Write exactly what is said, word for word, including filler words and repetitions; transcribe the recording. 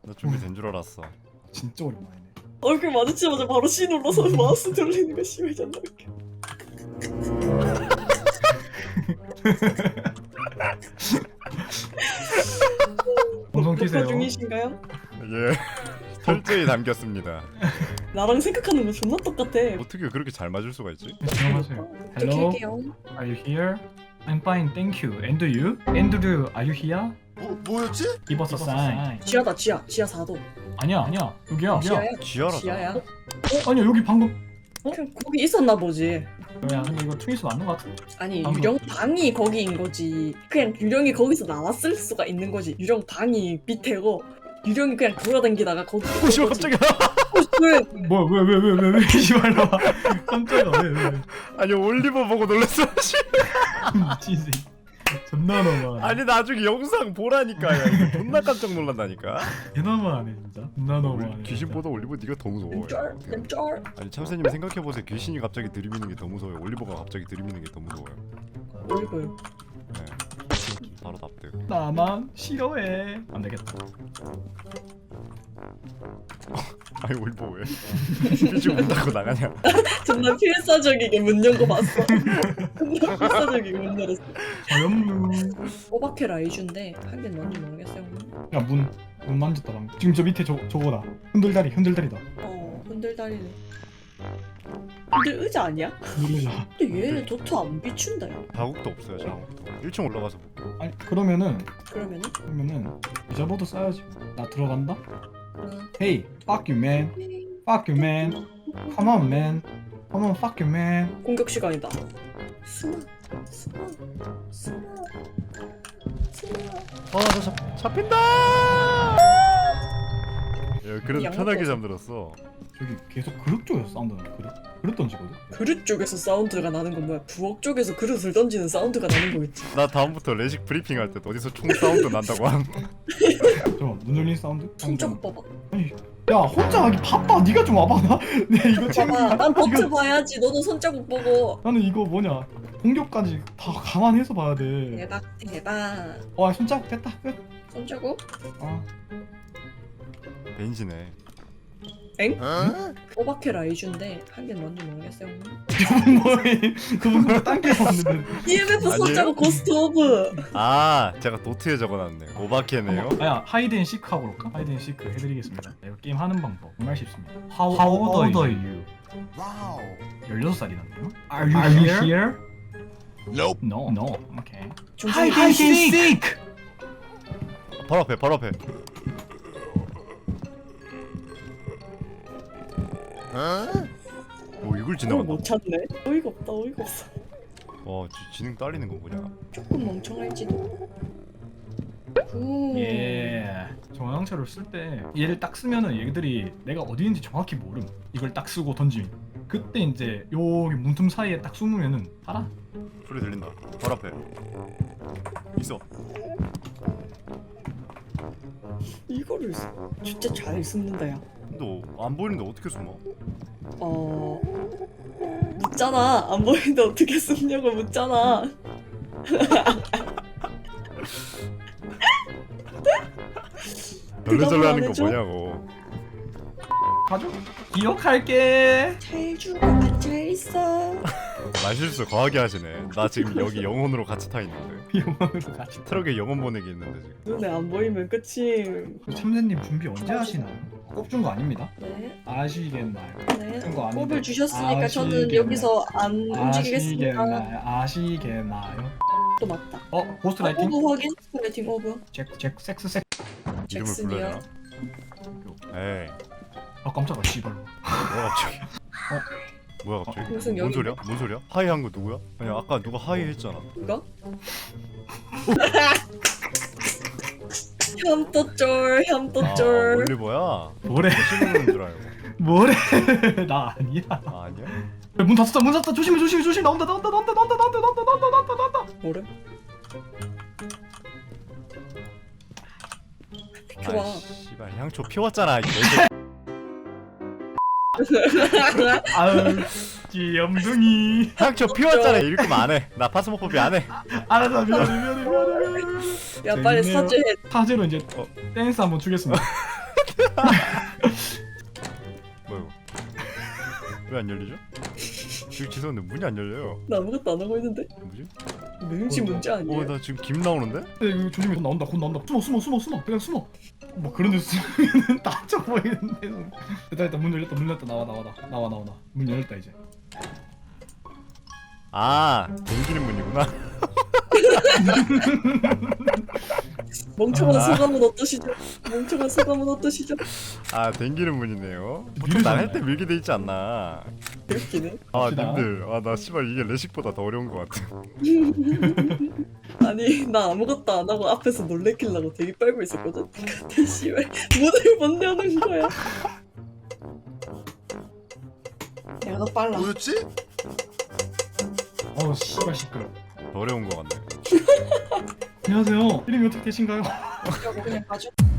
나 준비된 줄 알았어. 진짜 오랜만이네. 얼굴 마주치자마자 바로 C 눌러서 마우스 돌리는 거 심해 존나 웃겨. 방송 키세요. 녹화 중이신가요? 예. 철저히 담겼습니다. 나랑 생각하는 거 존나 똑같아. 어떻게 그렇게 잘 맞을 수가 있지? 조용하세요. 어떻게 Hello, 할게요? are you here? I'm fine, thank you. And you? Andrew, are you here? 뭐, 뭐였지? Give us a sign. 지하다 지하 지하 사 도. 아니야, 아니야. 여기야. 지하야? 지하라잖아. 지하야? 아니야, 여기 방금. 그냥 거기 있었나 보지. 야, 근데 이거 트윗이 맞는 것 같은데. 아니 방금. 유령 방이 거기인 거지. 그냥 유령이 거기서 나왔을 수가 있는 거지. 유령 방이 밑에고 유령이 그냥 돌아다니다가 거기. 오 씨발 깜짝이야. 왜? 뭐야, 왜, 왜, 왜, 왜, 왜, 이발 나와. 깜짝이야, 왜, 왜. 아니 올리버 보고 놀랐어. 씨. 미친 새끼. 존나 너무하네. 아니 나중에 영상 보라니까. 야, 이거 존나 깜짝 놀란다니까. 개 너무하네, 진짜. 존나 너무하네. 귀신보다 올리버 네가 더 무서워. 쩔, 쩔. 아니 참새님 생각해보세요. 귀신이 갑자기 들이미는 게 더 무서워요. 올리버가 갑자기 들이미는 게 더 무서워요. 얼굴. 네. 바로 납득. 나만 싫어해. 안 되겠다. 아니 올리버 왜? 일찍 문 닫고 나가냐? 정말 필사적이게 문 연 거 봤어. 정말 필사적이게 문 열었어. 자연무. 오바케 라이주인데 하긴 뭔지 모르겠어요. 야, 문, 문 만졌다, 방금. 지금 저 밑에 저, 저거다. 흔들다리, 흔들다리다. 어 흔들다리네. 흔들 의자 아니야? 누르자. 근데 얘 도트 안 비춘다 야. 자국도 없어요. 자국도. 일 층 올라가서 볼게요. 아니, 그러면은, 그러면은? 그러면은, 유자보드 써야지. 나 들어간다? 응. Hey, fuck you, man. Fuck you, man. Come on, man. Come on, fuck you, man. 공격 시간이다. 숨어 숨어 숨어 숨어. 아나 잡 잡힌다. 야 그래도 양쪽 편하게 없어. 잠들었어. 저기 계속 그릇 쪽에서 사운드가 그릇? 그릇 던지거든? 그릇 쪽에서 사운드가 나는 건 뭐야? 부엌 쪽에서 그릇을 던지는 사운드가 나는 거겠지. 나 다음부터 레식 브리핑 할 때 어디서 총 사운드 난다고 함. 잠깐만, 눈 열린 사운드? 손잡 봐봐. 아니, 야, 혼자 하기 바빠. 네가 좀 와봐. 나, 네, 이거 지금. 봐봐. 난 버트 이거- 봐야지. 너도 손자국 보고. 나는 이거 뭐냐. 공격까지 다 감안해서 봐야 돼. 대박 대박. 와, 손자국 뺐다. 끝. 손자국? 아, 벤지네. 엥? 어? 오바케 라이주인데 하긴 뭔지 모르겠어요. 저분 뭐해. 그분 그거 딴게 없는데. 이엠에프 아니에요? 손자국 고스트 오브. 아 제가 도트에 적어놨네. 오바케네요. 아야, 하이드앤 시크 하고 올까? 하이드앤 시크 해드리겠습니다. 이거 게임 하는 방법 정말 쉽습니다. How, How old are you? 와우. 열여섯 살이란데요? Are you, are you here? Nope. No. No. Okay. 정신 Hide and seek! 바로 앞에 바로 앞에. 어? 오 이걸 그걸 지나간다. 못 찾네. 어이가 없다. 어이가 없어. 와 지, 지능 딸리는 거 뭐냐? 조금 멍청할지도. 굿. 예. 정황철을 쓸 때 얘를 딱 쓰면은 얘들이 내가 어디 있는지 정확히 모름. 이걸 딱 쓰고 던지면. 그때 이제 여기 문틈 사이에 딱 숨으면은 알아? 소리 들린다. 바로 앞에. 있어. 이거를 쓰- 진짜 잘 숨는다 야. 근데 안 보이는데 어떻게 숨어? 어 묻잖아. 안 보이는데 어떻게 숨냐고 묻잖아. 널레절레 하는 안 거 해줘? 뭐냐고. 가져. 기억할게. 잘 주고 앉아 있어. 말실수 거하게 하시네. 나 지금 여기 영혼으로 같이 타 있는데. 영원으로 같이. 트럭에 영혼 보내기 있는데 지금. 눈에 안 보이면 끝이. 참새님 준비 언제 하시나요? 꼽준 거 아닙니다. 네. 아시겠나요? 네. 그런 거 아닌데. 꼽을 주셨으니까 저는 아시겠나요? 여기서 안 움직이겠습니다. 아시겠나요? 아시겠나요? 또 맞다. 어, 고스트 라이팅? 오브 확인. 라이팅 오브. 잭, 잭, 섹스, 섹스. 이름을 불러야 잭슨이요. 되나? 에이 아, 깜짝아, 씨발. 뭐야 갑자기? 뭐야 갑자기? 무슨 뭔 여기- 소리야? 뭔 소리야? 하이 한 거 누구야? 아니 아까 누가 하이 했잖아. 누가? 혐또쫄 아 혐또쫄. 올리버야? 뭐래? 신우는 줄 알고. 뭐래? 나 아니야. 아 아니야? 야, 문 닫았다, 문 닫았다. 조심해, 조심해, 조심. 나온다, 나온다, 나온다, 나온다, 나온다, 나온다, 나온다, 나온다, 나온다. 뭐래? 좋아. 아이 씨발 향초 피웠잖아. 이 개새. 아유, 귀염둥이. 향초 피웠잖아. 이렇게 하면 안 해. 나 파스모포비 안 해. 알았어, 미안해, 미안해, 미안해, 미안해. 야 빨리 재밌네요. 사죄해. 사제로 이제 어, 댄스 한번 추겠습니다. 뭐요? 왜 안 열리죠? 지금 죄송한데 문이 안 열려요. 나 아무것도 안 하고 있는데. 뭐지? 명치 어, 문제 아니야? 어 나 지금 김 나오는데? 야, 이거 조심해. 곧 나온다. 곧 나온다. 숨어 숨어 숨어 숨어. 그냥 숨어. 뭐 그런 데 숨으면 다쳐 보이는데. 됐다 됐다. 문 열렸다. 문 열렸다. 나와 나와 나. 나와 나와 나. 문 열렸다 이제. 아 댕기는 문이구나. 멍청한 아. 소감은 어떠시죠? 멍청한 소감은 어떠시죠? 아 댕기는 문이네요. 보통 느리잖아요. 날할 때 밀게 돼 있지 않나. 웃기네. 아 갑시다. 님들 아나 씨발 이게 레식보다 더 어려운 것 같아. 아니 나 아무것도 안 하고 앞에서 놀래키려고 되게 빨고 있었거든. 근데 씨발 문을 못 여는 거야. 내가 더 빨라. 뭐였지? 어우 씨발 시끄러. 더 어려운 것 같네. 안녕하세요. 이름이 어떻게 되신가요? 그냥 가죠.